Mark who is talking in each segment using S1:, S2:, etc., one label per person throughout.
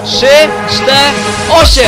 S1: 3, 4, 8!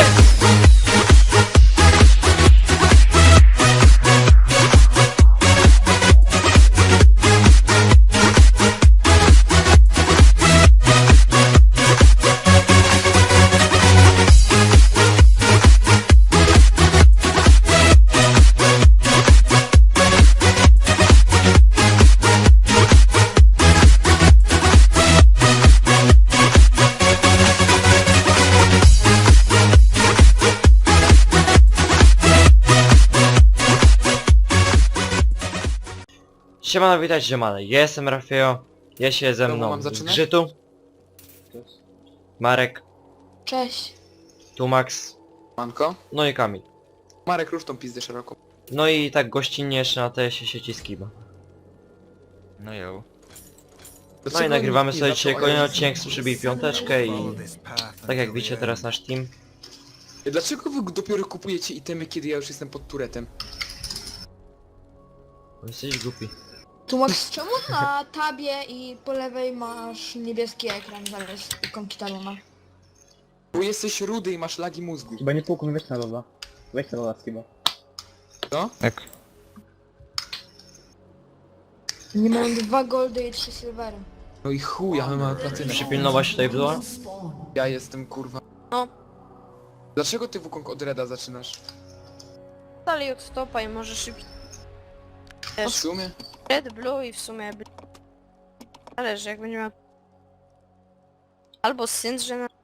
S1: Siemano, witajcie ziomale, ja jestem Rafio, jest się ze mną
S2: mam zaczynać?
S1: Grzytu, Marek,
S3: Cześć.
S1: tu Max,
S2: Manko?
S1: no i Kamil.
S2: Marek, rusz tą pizdę szeroko.
S1: No i tak gościnnie jeszcze na TS-ie sieci Skiba.
S4: No jo.
S1: No i
S2: Dlaczego
S1: nagrywamy
S2: nikt nie
S1: sobie
S2: zaczął,
S1: dzisiaj
S2: a
S1: kolejny
S2: ja
S1: odcinek z Przybij Piąteczkę i tak jak widzicie teraz nasz team.
S2: Dlaczego wy dopiero kupujecie itemy, kiedy ja już jestem pod turetem?
S1: Bo jesteś głupi.
S3: Tu Max, czemu na tabie i po lewej masz niebieski ekran zamiast ikonki talona?
S2: Bo jesteś rudy i masz lagi mózgu.
S5: Chyba nie półku, weź na loda. Weź na loda chyba.
S2: Co?
S4: Tak.
S3: Nie mam 2 goldy i 3 silvery.
S2: No i chuj, a my mamy platynę.
S1: Przypilnować tutaj była?
S2: Ja jestem kurwa.
S6: No.
S2: Dlaczego ty Wukong od Reda zaczynasz?
S6: Dalej od stopa i może szybciej.
S2: W sumie?
S6: Red, blue i w sumie... Zależy, jak będzie miał... Albo Syndrze na...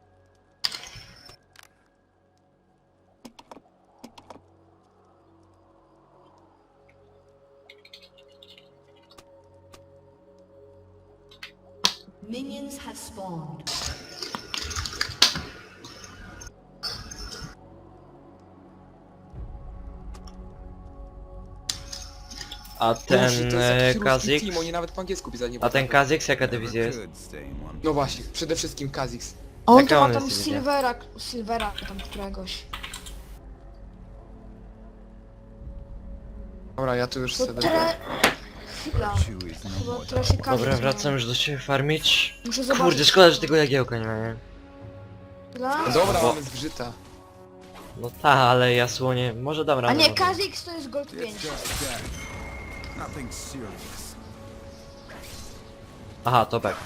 S7: Minions have spawned.
S1: A ten
S2: Boże, to jest jakiś ruski
S1: Kazix?
S2: team, oni nawet po angielsku pisać nie
S1: A ten
S2: potrafią.
S1: Kazix jaka dywizja jest?
S2: No właśnie, przede wszystkim Kazix.
S3: A on
S1: Jaka
S3: to
S1: on
S3: ma tam
S1: jest dywizja?
S3: silvera tam któregoś.
S2: Dobra, ja tu już
S3: To
S2: sobie...
S3: Chwila. Chyba trochę się każe.
S1: Dobra, wracam już do ciebie farmić.
S3: Muszę zobaczyć.
S1: Kurde, szkoda, że tego jagiełka nie ma, nie?
S3: Chwila.
S2: Dobra,
S1: Bo-
S2: mamy zgrzyta.
S1: No ta, ale jasłonie, może dam
S3: A
S1: radę.
S3: nie,
S1: może.
S3: Kazix to jest gold 5.
S1: Aha, to tak.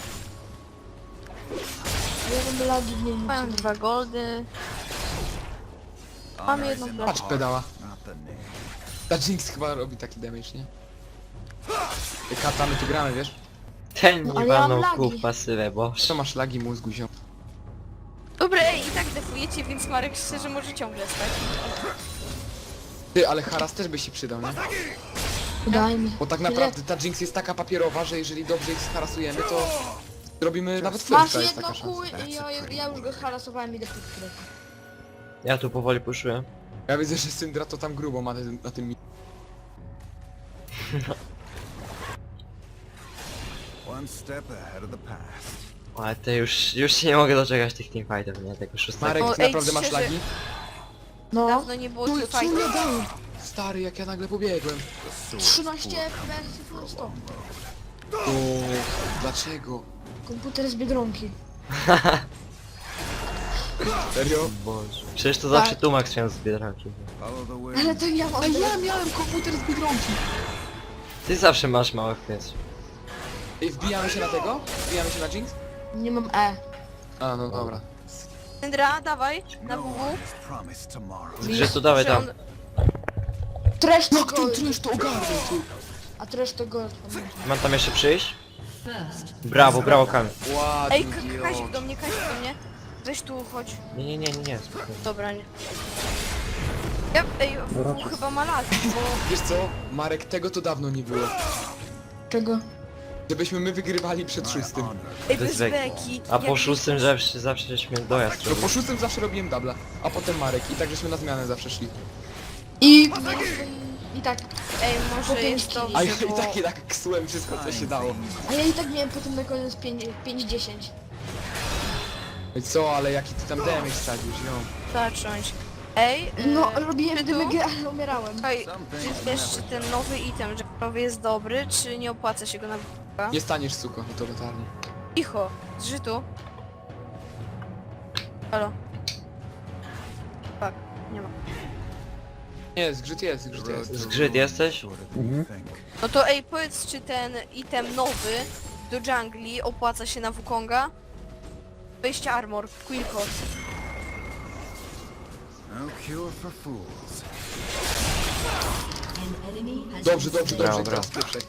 S3: Ja mam lagi w nim.
S6: Mam 2 goldy. Mam jedną
S2: Patrz
S6: platynę.
S2: pedała. Ta Jinx chyba robi taki damage, nie? Kata, my tu gramy, wiesz?
S1: Ten
S3: No,
S1: nie
S3: ale ja mam
S1: walnął
S3: lagi.
S1: kół w pasywę, bo...
S2: Co masz lagi mózgu, ziom?
S6: Dobra, i tak defujecie, więc Marek szczerze może ciągle stać.
S2: Ty, ale Haras też by się przydał, nie?
S3: Daj mi.
S2: Bo tak naprawdę ta Jinx jest taka papierowa, że jeżeli dobrze ich harasujemy, to zrobimy nawet
S3: Masz
S2: firsta, jest
S3: jedno
S2: taka
S3: kół
S2: szansa.
S3: i ja już go harasowałem i do tych
S1: Ja tu powoli puszuję.
S2: Ja widzę, że Syndra to tam grubo ma na tym...
S4: One step ahead of the past.
S1: Ale to już się nie mogę doczekać tych teamfightów, nie? Tego szóstego.
S2: Marek,
S6: O,
S2: ty
S6: ej,
S2: naprawdę masz
S6: szczerze.
S2: lagi?
S3: No.
S6: Dawno nie było
S2: No
S6: tu
S2: i co
S6: fajnie.
S2: mnie dało? Stary, jak ja nagle pobiegłem.
S3: 13 FPS full stop.
S2: O, dlaczego?
S3: Komputer z Biedronki.
S2: Serio?
S1: Boże. Przecież to
S3: Tak.
S1: zawsze tu Max miał z Biedronki.
S4: Follow the wind.
S3: Ale to ja mam...
S2: A ja miałem komputer z Biedronki.
S1: Ty zawsze masz małe FPS.
S2: Ej, wbijamy się na tego? Wbijamy się na Jinx?
S3: Nie mam E.
S2: A, no dobra.
S6: Syndra, dawaj, na
S4: No
S6: WW.
S4: one is promised tomorrow.
S1: Że tu dawaj
S6: Że
S1: tam.
S6: on-
S3: Trash to
S2: Jak ten
S3: gold.
S2: trash to ogarnął, ty?
S3: A trash to gold. pamiętam.
S1: Mam tam jeszcze przyjść? Brawo, brawo Kamil.
S6: Ej,
S2: Ładny
S6: Kazik do mnie, Kazik do mnie. Weź tu, chodź.
S1: Nie, spokojnie.
S6: Dobra, nie. Ja, ej, WW chyba ma lagi, bo...
S2: Wiesz co? Marek, tego to dawno nie było.
S3: Czego?
S2: Żebyśmy my wygrywali przed szóstym.
S6: Ej,
S1: Bez
S6: bez
S1: beki.
S6: beki.
S1: A po
S6: Jak-
S1: szóstym zawsze żeśmy dojazd
S2: No
S1: robili.
S2: po szóstym zawsze robiłem dubla, a potem Marek i tak żeśmy na zmianę zawsze szli.
S3: I tak.
S6: Ej,
S3: Po
S6: może
S3: pięć
S6: jest
S3: kili.
S2: A
S6: dobrze,
S2: ja i
S6: bo...
S2: tak ksułem wszystko co się dało.
S3: A ja i tak miałem potem na koniec 5-10.
S2: I co, ale jaki ty tam damage sadzisz, ją.
S6: Zacząć. Ej,
S3: No, robiłem
S6: czy tu?
S3: dymygę, ale umierałem.
S6: Słuchaj, czy wiesz, czy ten nowy item, że nowy jest dobry, czy nie opłaca się go na...
S2: Nie staniesz suko, to totalnie.
S6: Cicho, zżytu. Halo. Tak, nie ma.
S2: Nie, zgrzyt jest, zgrzyt
S4: The road
S2: jest.
S4: to
S1: Zgrzyt
S4: ruin
S1: jesteś?
S4: is shorter than you think.
S6: No to ej, powiedz, czy ten item nowy do jungli opłaca się na Wukonga? 20 armor, Quill Core.
S4: No cure for fools.
S7: An enemy has
S2: Dobrze,
S7: been
S2: dobrze,
S7: slain.
S2: dobrze,
S1: Dobra.
S2: teraz pierwszej.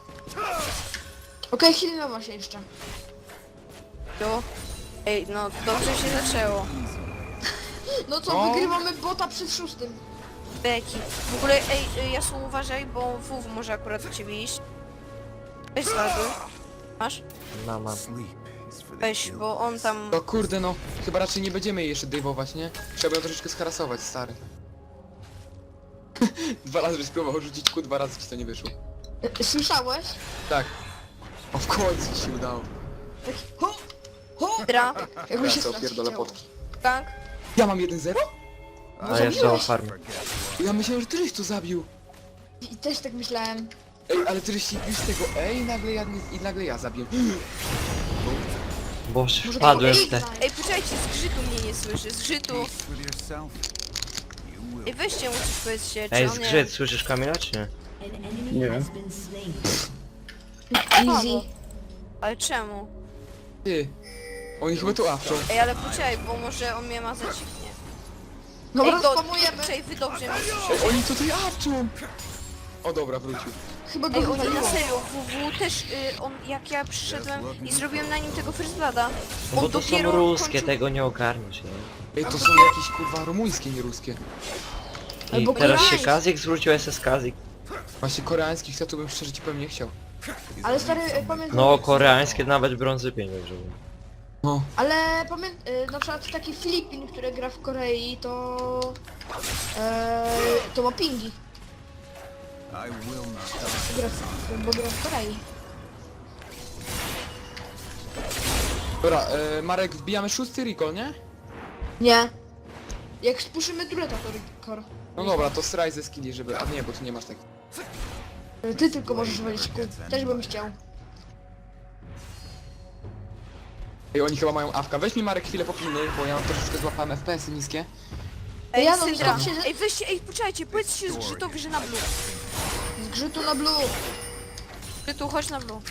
S3: Okej, healowa się jeszcze.
S6: Jo. Ej, no dobrze się zaczęło.
S3: No co,
S2: No.
S3: wygrywamy bota przed 6.
S6: Beki. W ogóle, ej, Jasu, uważaj, bo WW może akurat do ciebie iść. Weź zladuj. Masz?
S1: Mam.
S4: Sleep is for the
S6: Weź, bo on tam...
S2: No kurde no, chyba raczej nie będziemy jej jeszcze dejwować, nie? Trzeba ją troszeczkę scharasować, stary. 2 razy żeś próbował rzucić Q, 2 razy ci to nie wyszło.
S3: Słyszałeś?
S2: Tak. O, w końcu ci się udało.
S3: Tak, ho, ho!
S6: Dra,
S3: Jakby
S2: Ja
S3: się
S2: to
S3: strasznie
S2: opierdolę
S3: chciało.
S2: potki.
S6: gank.
S2: Ja mam 1-0?
S1: A ja są farmy.
S2: Ja myślałem, że ty żeś to zabił.
S3: I też tak myślałem.
S2: Ej, ale ty żeś się bił z tego i nagle ja zabiłem.
S1: Boże,
S3: Może
S1: wpadłem
S3: to
S1: w te...
S6: Ej, poczekajcie, zgrzytu mnie nie słyszy, zgrzytu.
S4: peace with yourself. You will.
S6: Ej, weźcie mu coś powiedzcie, czy
S1: Ej,
S6: on nie...
S1: zgrzyt, słyszysz Kamila czy nie?
S7: An enemy
S5: Nie
S7: has
S5: wiem.
S7: been slain.
S3: Easy.
S6: Ale czemu?
S2: Ty. Oni chyba tu awczą.
S6: Ej, ale poczekaj, bo może on mnie ma za dziwnie.
S3: Dobra,
S6: Ej, go,
S3: spamujemy.
S6: poczekaj, wy dobrze mnie
S2: Ej,
S6: słyszycie.
S2: oni tutaj awczą! O dobra, wrócił.
S3: Chyba go
S6: Ej, oni na
S3: wywaliło.
S6: serio, WW też, on, jak ja przyszedłem i zrobiłem na nim tego First Blooda,
S1: No bo
S6: on
S1: to są
S6: dopiero
S1: ruskie,
S6: kończył...
S1: tego nie ogarniesz, nie?
S2: Ej, to są jakieś kurwa rumuńskie, nie ruskie.
S1: I
S3: Albo
S1: teraz się
S3: koreańskie.
S1: Kazik zwrócił SS Kazik.
S2: Właśnie koreańskich to bym szczerze ci powiem nie chciał.
S3: Ale stary, pamiętam...
S1: No, koreańskie nawet brązy 5 dobrze było.
S2: No.
S3: Ale pamiętam, na przykład taki Filipin, który gra w Korei, to... to ma pingi.
S4: I will not
S3: Bo gra w Korei.
S2: Dobra, Marek, wbijamy 6 recall, nie?
S3: Nie. Jak spuszymy tureta, to Rikor.
S2: No dobra, to straj ze skilli, żeby... A nie, bo tu nie masz tak.
S3: Ty tylko możesz walić kół. Też bym chciał.
S2: Ej, oni chyba mają awka. Weź mi Marek chwilę popilnuj, bo ja mam troszeczkę złapałem FPS-y niskie.
S6: Ej,
S3: Ja no,
S6: Syndra,
S3: stop się-
S6: ej, weźcie, ej, poczekajcie, powiedzcie zgrzytowi, że na blue.
S3: Zgrzytu na blue.
S6: Zgrzytu, chodź na blue.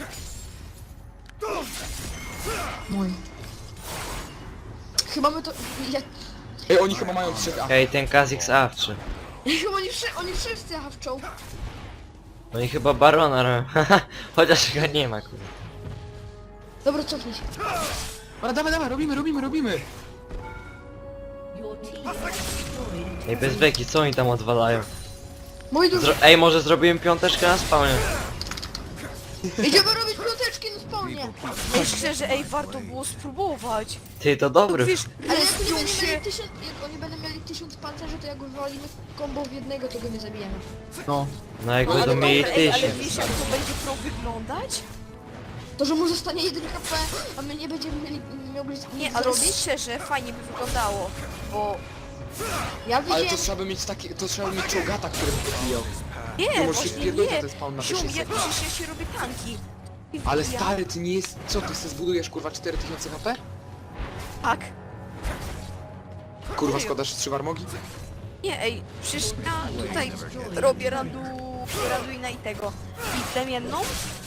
S3: Mój. Chyba my to... Ja...
S2: Ej, oni chyba mają 3 awki.
S1: Ej, ten Kazik z awczy.
S3: Chyba oni wszyscy hawczą.
S1: Oni chyba barona robią. Chociaż go nie ma, kurde.
S3: Dobra, cofnij się.
S2: Dobra, dawaj, robimy.
S7: Your team has destroyed a
S1: Ej, bez beki, co oni tam odwalają?
S3: Mój duży.
S1: Ej, może zrobiłem piąteczkę na spawnie.
S3: Idziemy robić piąteczki na spawnie.
S6: Ej, szczerze, ej, warto było spróbować.
S1: Ty, to
S6: To
S1: dobry.
S6: wiesz,
S3: Ale jak
S6: respią
S3: oni,
S6: się...
S3: jak oni będą mieli 1000 pancerzy, to jak wywalimy kombo w jednego, to go nie zabijemy.
S2: No.
S1: No jak
S6: No,
S1: będą
S6: ale
S1: mieli
S6: dobra, ej, ale
S1: 1000.
S6: wiesz jak to będzie pro wyglądać?
S3: To, że mu zostanie 1 HP, a my nie będziemy mogli
S6: Nie,
S3: nic
S6: ale
S3: zrobić.
S6: szczerze, fajnie by wyglądało, bo...
S3: Ja
S2: Ale
S3: widziałem...
S2: to trzeba by mieć takie... To trzeba by mieć czołgata, który by pobijał.
S6: Nie,
S2: możesz
S6: właśnie
S2: pierdolić
S6: nie.
S2: ten spawn na te
S6: Ziom,
S2: 600.
S6: ja, przecież ja się robię tanki. I
S2: Ale
S6: wbijam.
S2: stary, ty nie jest... Co, ty sobie zbudujesz kurwa 4000 HP?
S6: Tak.
S2: Kurwa, szkoda, że 3 warmogi?
S6: Nie, ej, przecież ja tutaj robię Raduina i tego. I plemienną.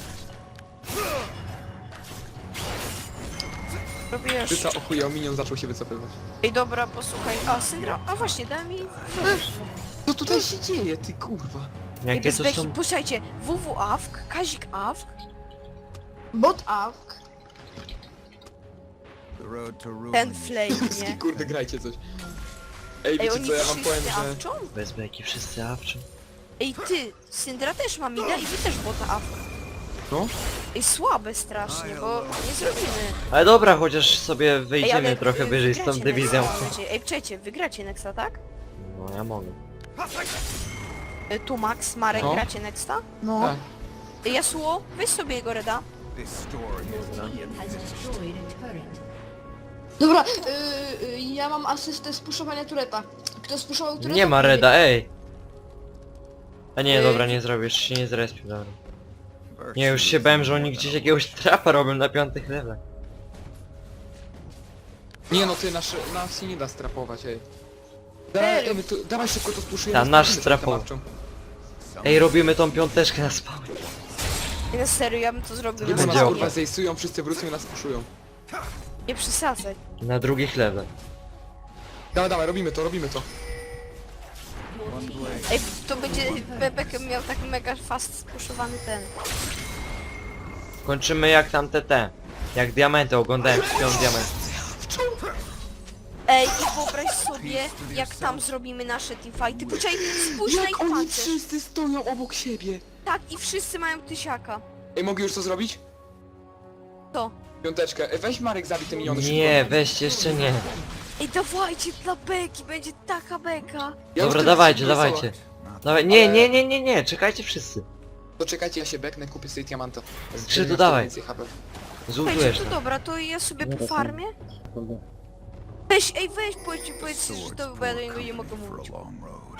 S6: Robię
S2: Ty
S6: jeszcze...
S2: co, ochujał, minion zaczął się wycofywać.
S6: Ej, dobra, posłuchaj. A, Syndra, a właśnie, daj mi...
S2: Co tutaj się dzieje, ty kurwa?
S6: Ej,
S1: Jakie
S6: bez
S1: to
S6: beki,
S1: są...
S6: posłuchajcie. WW Awk, Kazik Awk.
S3: Bot awk.
S4: The road to ruin
S6: Ten
S4: is
S6: flame,
S2: Ty
S6: nie?
S2: kurde, grajcie coś. Ej,
S6: Ej,
S2: wiecie
S6: oni
S2: co, ja wam powiem,
S6: wszyscy
S2: że...
S6: awczą?
S1: Bez beki, wszyscy awczą.
S6: Ej, ty, Syndra też ma mida i wy też bota Awk.
S2: No?
S6: Ej, słabe strasznie, bo nie zrobimy.
S1: Ale dobra, chociaż sobie
S6: Ej,
S1: wyjdziemy trochę wyżej z tą
S6: wygracie
S1: dywizją.
S6: Nexa, mam nadzieję. Ej, przecie, wygracie Nexa, tak?
S1: No ja mogę.
S6: Tu Max, Marek,
S2: No.
S6: gracie Nexta?
S3: No.
S2: Tak.
S6: Ej, Yasuo, weź sobie jego reda.
S4: this story is not yet
S7: has destroyed a turret.
S3: Dobra, ja mam asystę spuszowania tureta. Kto spuszował tureta?
S1: Nie ma reda, ej! A nie,
S3: Ej.
S1: dobra, nie zrobisz, się nie zrespił, dobra.
S4: Virtue
S1: Nie, już się
S4: is
S1: bałem, że
S4: more
S1: oni
S4: than
S1: gdzieś
S4: a
S1: jakiegoś trapa robią na 5 levelach.
S2: Nie no, ty nas się nie da strapować, ej. Dawaj, my tu, dawaj szybko to spuszujemy.
S1: Ta, nasz
S2: spuszymy
S1: strapował.
S2: tą tarczą.
S1: Ej, robimy tą piąteczkę na spawnie.
S6: I na serio, ja bym to zrobił
S2: Nie
S6: na
S2: bo nas
S1: działo.
S2: kurwa
S6: spokojnie.
S2: zejsują, wszyscy wrócą i nas spuszują.
S6: Nie przesadzaj.
S1: Na drugich level.
S2: Dawaj, robimy to.
S4: One blade.
S6: Ej, to będzie... Bebek miał tak mega fast spuszowany ten.
S1: Kończymy jak tam te. Jak diamenty, oglądałem śpią diament.
S6: Ej, i wyobraź sobie, jak tam zrobimy nasze teamfighty. Poczekaj, spójrz na
S2: Jak
S6: ich
S2: oni
S6: pancerz.
S2: wszyscy stoją obok siebie.
S6: Tak, i wszyscy mają tysiaka.
S2: Ej, mogę już to zrobić?
S6: To.
S2: Piąteczkę. Weź Marek, zabij te miniony
S1: Nie, weźcie, jeszcze nie.
S6: Ej, dawajcie dla beki, będzie taka beka.
S2: Ja już
S1: Dobra,
S2: teraz
S1: dawajcie,
S2: się
S1: dawajcie.
S2: wesoło.
S1: Dawaj, nie, czekajcie wszyscy.
S2: To czekajcie, ja się beknę, kupię sobie diamanta.
S1: Skrzytu, dawaj.
S2: Więcej HP.
S1: Zultujesz
S6: Słuchajcie, to
S1: tam.
S6: dobra, to ja sobie
S5: Dobra,
S6: po farmie.
S5: Kurde.
S6: Weź, powiedz, że
S4: Swords
S6: to
S4: to
S6: bo ja do
S4: work
S6: niego nie mogę
S4: for a
S6: mówić.
S4: long road.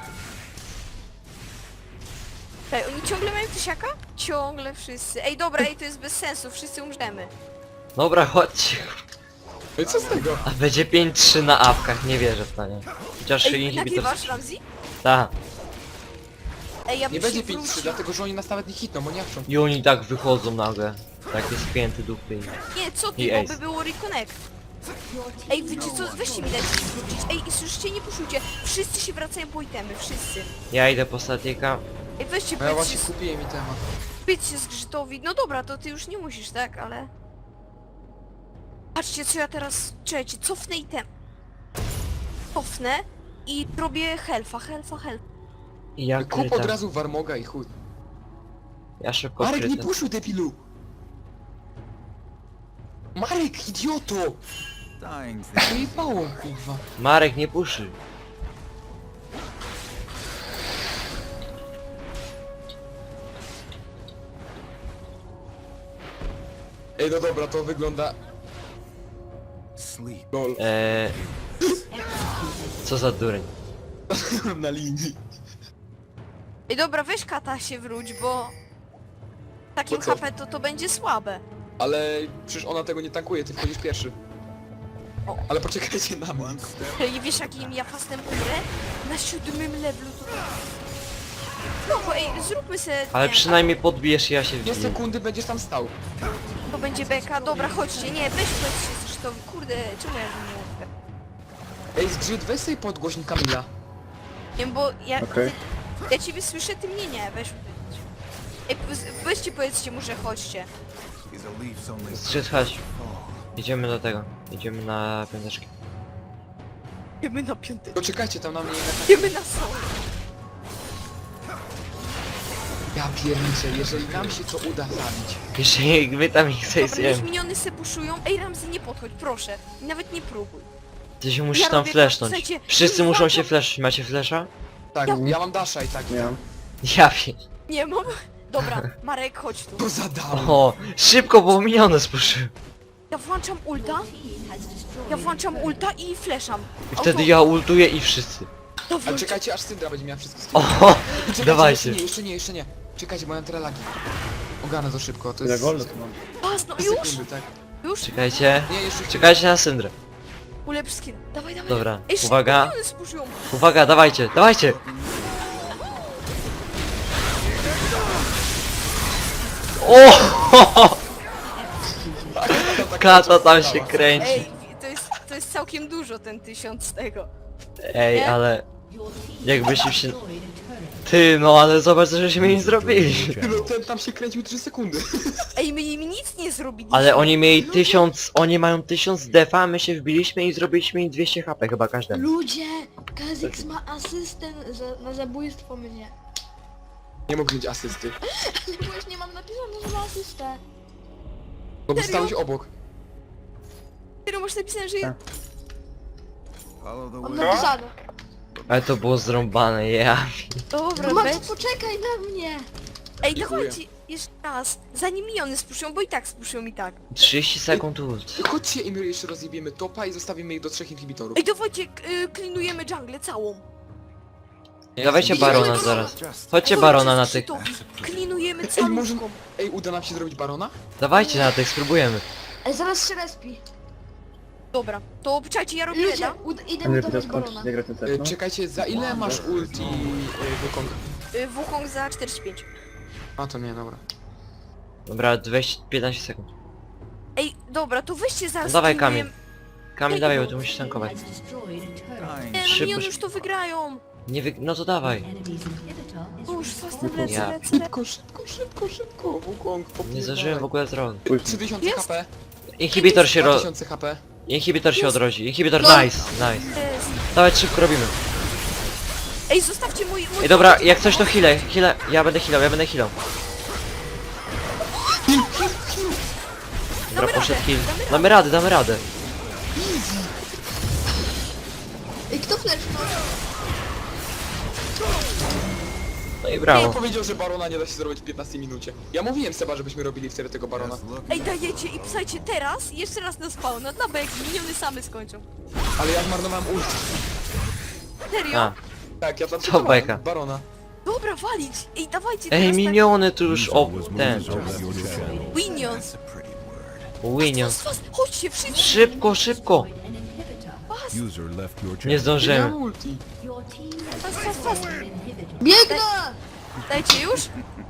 S6: Ej, oni ciągle mają tysiaka? Ciągle wszyscy. Ej, dobra, to jest bez sensu, wszyscy umrzemy.
S1: Dobra, chodźcie.
S2: Ej, co z tego?
S1: A będzie 5-3 na apkach, nie wierzę w to, nie. Chociaż
S6: Ej,
S1: inhibitor...
S6: nagrywasz, Ramzi?
S1: Ta.
S6: Ej, ja
S2: Nie
S6: bym się
S2: będzie 5-3,
S6: wrócił.
S2: dlatego że oni nas nawet nie hitną, bo nie chcą.
S1: I oni tak wychodzą nagle. Takie spięte dupy.
S6: Nie, co ty,
S1: I
S6: bo
S1: ace.
S6: by było reconnect. Ej, wiecie co, weźcie mi dajcie się wrócić. Ej, i słyszycie, nie puszujcie. Wszyscy się wracają po itemy, wszyscy.
S1: Ja idę po statyka.
S6: Ej, weźcie,
S2: No ja
S6: powiedzcie,
S2: właśnie kupiłem mi temat.
S6: powiedzcie zgrzytowi. No dobra, to ty już nie musisz, tak, ale... Patrzcie, co ja teraz... Czekajcie, cofnę item. Cofnę i robię helfa.
S1: I ja
S2: Kup od
S1: krytam.
S2: razu Warmoga i chuj.
S1: Ja szybko
S2: Marek, nie
S1: krytam.
S2: puszuj, debilu! Marek, idioto!
S4: Dying thing.
S2: Wyjebało, kurwa.
S1: Marek, nie puszy.
S2: Ej, no dobra, to wygląda...
S4: Sleep.
S2: Lol.
S1: Co za dureń.
S2: Na linii.
S6: Ej, dobra, weź kata się wróć, bo... Takim
S2: Bo co?
S6: HP to będzie słabe.
S2: Ale przecież ona tego nie tankuje, ty wchodzisz pierwszy.
S6: O.
S2: Ale poczekajcie na mnie.
S4: One step.
S6: Ej, wiesz jakim ja fastem umrę? Na 7 levelu to... No bo ej, zróbmy se...
S1: Ale
S6: nie,
S1: przynajmniej podbijesz i ja się
S2: 2
S1: wbiję.
S2: sekundy będziesz tam stał.
S6: To będzie beka, dobra, chodźcie, nie, weź powiedzcie zgrzytowi, kurde, czemu ja nie mogę?
S2: Ej, zgrzyt, weź sobie podgłośnik Kamila.
S6: Nie wiem, bo ja...
S5: Okej.
S6: Ja ciebie słyszę, ty mnie nie, weź powiedz. Ej, weźcie powiedzcie mu, że chodźcie.
S4: Is a leaf's only
S1: Zszedł, chodź. Idziemy do tego. Idziemy na piąteczkę.
S6: Jemy na piąty.
S2: Poczekajcie tam na mnie.
S6: Jemy na sol.
S2: Ja pierniczę, jeżeli nam się to uda zabić.
S1: Jeszcze wy tam ich
S6: Dobra, niech
S1: zejdziemy.
S6: miniony se buszują. Ej, Ramzy, nie podchodź, proszę. Nawet nie próbuj.
S1: Ty się musisz
S6: Ja
S1: tam
S6: robię
S1: flashnąć.
S6: tak, słuchajcie,
S1: Wszyscy
S6: nie
S1: muszą się
S6: walczą.
S1: flashnąć. Macie flasha?
S2: Tak, ja mam dasha i tak.
S5: Nie mam.
S1: Ja wiem.
S6: Nie mam. Dobra, Marek, chodź tu.
S2: To zadałem.
S1: O, szybko, bo miniony spuszył.
S6: Ja włączam ulta.
S7: Team has destroyed
S6: Ja włączam ulta i flasham.
S1: I wtedy ja ultuję i wszyscy.
S2: Ale czekajcie, aż Syndra będzie miała wszystkie skiny.
S1: O,
S2: Czekajcie,
S1: dawajcie.
S2: Jeszcze nie. Czekajcie, bo ja mam trelagi. Ogarnę to szybko, to
S5: Ile
S2: jest...
S5: goldu tu mam?
S6: Pas, no
S2: 3
S6: już,
S2: sekundy, tak?
S6: już.
S1: Czekajcie.
S2: Nie, jeszcze chwilę.
S1: Czekajcie na syndrę.
S6: Ulepsz skin. Dawaj.
S1: Dobra,
S6: Ej,
S1: uwaga.
S6: miniony spuszują.
S1: Uwaga, dawajcie, dawajcie. O! Kata tam się kręci.
S6: Ej, to jest całkiem dużo ten 1000 z tego.
S1: Ej,
S6: Nie?
S1: ale
S7: Your team
S1: jakbyśmy się...
S7: destroyed a turret.
S1: Ty, no ale zobacz, co żeśmy im zrobili.
S2: No ten tam się kręcił 3 sekundy.
S6: Ej, my im nic nie zrobiliśmy.
S1: Ale oni mieli 1000, oni mają 1000 defa, my się wbiliśmy i zrobiliśmy im 200 HP chyba każdemu.
S3: Ludzie! Kazix ma asystę na zabójstwo mnie.
S2: Nie mógł mieć asysty.
S3: Ale bo już nie mam napisane, że ma asystę.
S2: No bo
S6: Serio?
S2: stałeś obok.
S6: Serio, masz napisane, że...
S5: Tak.
S4: Follow the
S3: Mam
S4: way.
S3: napisane.
S1: Ale to było zrąbane, ja.
S6: Dobra,
S3: No Max,
S6: weź.
S3: poczekaj na mnie!
S6: Ej,
S2: Dziękuję.
S6: dawajcie jeszcze raz. Zanim miniony spuszują, bo i tak spuszują i tak.
S1: 30 sekund ult.
S2: Chodźcie i my jeszcze rozjebiemy topa i zostawimy ich do 3 inhibitorów.
S6: Ej, dawajcie, klinujemy jungle całą.
S1: Dawajcie barona zaraz.
S4: Just
S1: Chodźcie barona na tych.
S6: Klinujemy
S2: Ej, może...
S6: całą.
S2: Ej, uda nam się zrobić barona?
S1: Dawajcie na tych, spróbujemy.
S3: Ej, zaraz się respi.
S6: Dobra, to czekajcie, ja robię
S3: Ludzie,
S6: reda.
S3: idę
S5: Henry,
S3: mi
S5: to
S3: to
S5: skończyć
S3: balona.
S5: nie grać no?
S2: Czekajcie, za ile masz ulti Wukong?
S6: Wukong za 45.
S2: A to nie, dobra.
S1: Dobra, 15 sekund.
S6: Ej, dobra, to weźcie zaraz...
S1: No dawaj,
S6: tym
S1: Kamil.
S6: moim-
S1: Kamil, dawaj, bo tu musisz tankować.
S7: Has destroyed a turret.
S4: Dying.
S6: Nie, no
S1: Szybko,
S6: miniony
S1: szybko.
S6: już to wygrają.
S1: Nie no to dawaj.
S7: Enemy's inhibitor is
S6: Już, fastem lecę,
S1: Ja.
S6: lecę.
S2: Szybko, Wukong,
S1: Nie zdążyłem w ogóle zrobić.
S2: 3000
S6: Jest?
S2: HP,
S1: Inhibitor się
S2: 2000 HP.
S1: Inhibitor się odrodzi. Inhibitor,
S3: No.
S1: nice, nice.
S6: Jest.
S1: Dawaj, szybko robimy.
S6: Ej, zostawcie mój...
S1: Ej, dobra, jak coś to healę, ja będę healał. Dobra, poszedł heal. Damy radę.
S3: Ej, kto flashnął?
S1: No i
S2: Kto
S1: brawo.
S2: powiedział, że Barona nie da się zrobić w 15 minucie? Ja mówiłem Seba, żebyśmy robili wtedy tego Barona.
S4: Just look.
S6: Ej, dajecie i psajcie teraz i jeszcze raz na spawna, dla bek, miniony same skończą.
S2: Ale ja zmarnowałem ulti.
S6: Serio?
S1: A,
S2: Tak, ja tam
S1: Co beka?
S2: Barona.
S6: Dobra, walić! Ej, dawajcie
S1: ej,
S6: teraz
S1: miniony tu już ten.
S6: tak... Minions!
S4: That's a pretty word.
S1: Winions.
S6: Fast, chodźcie, wszyscy!
S1: Szybko.
S7: an inhibitor.
S8: User left your
S1: Nie
S8: channel.
S2: Ja
S1: zdążymy.
S2: mam ulti.
S7: Your team has
S6: Fast, fast, fast!
S7: an inhibitor.
S3: Biegnę!
S6: Dajcie już?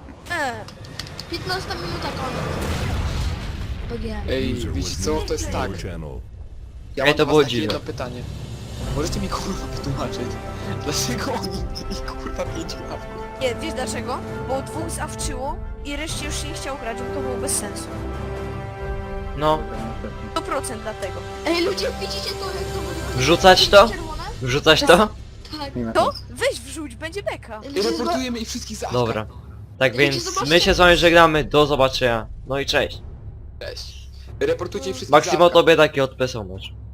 S3: 15 minuta koniec. PG.
S2: Ej,
S8: User
S2: wiecie
S8: was
S2: co?
S8: moved
S2: To jest
S8: to
S2: tak.
S8: your channel.
S2: Ja
S1: Ej,
S2: mam
S1: to
S2: do
S1: było
S2: was takie
S1: dziwne.
S2: jedno pytanie. Możecie mi kurwa wytłumaczyć, dlaczego oni mieli kurwa 5 łapków?
S6: Nie, wiesz dlaczego? Bo dwóch zawczyło i reszcie już się nie chciał grać, bo to było bez sensu.
S1: No,
S6: 100% dlatego.
S3: Ej, ludzie, widzicie to, jak to będzie?
S1: Wrzucać to?
S3: Czerwone?
S1: Wrzucać to?
S3: Tak.
S5: Nie ma
S6: To?
S5: sensu.
S6: Weź wrzuć, będzie beka.
S2: I reportujemy ich wszystkich za
S1: Dobra. Tak
S3: Idziecie
S1: więc
S3: zobaczyć.
S1: my się z wami żegnamy, do zobaczenia. No i cześć.
S2: Cześć. Reportujcie ich wszystkich
S1: Maksimo
S2: za
S1: tobie taki odpesomacz.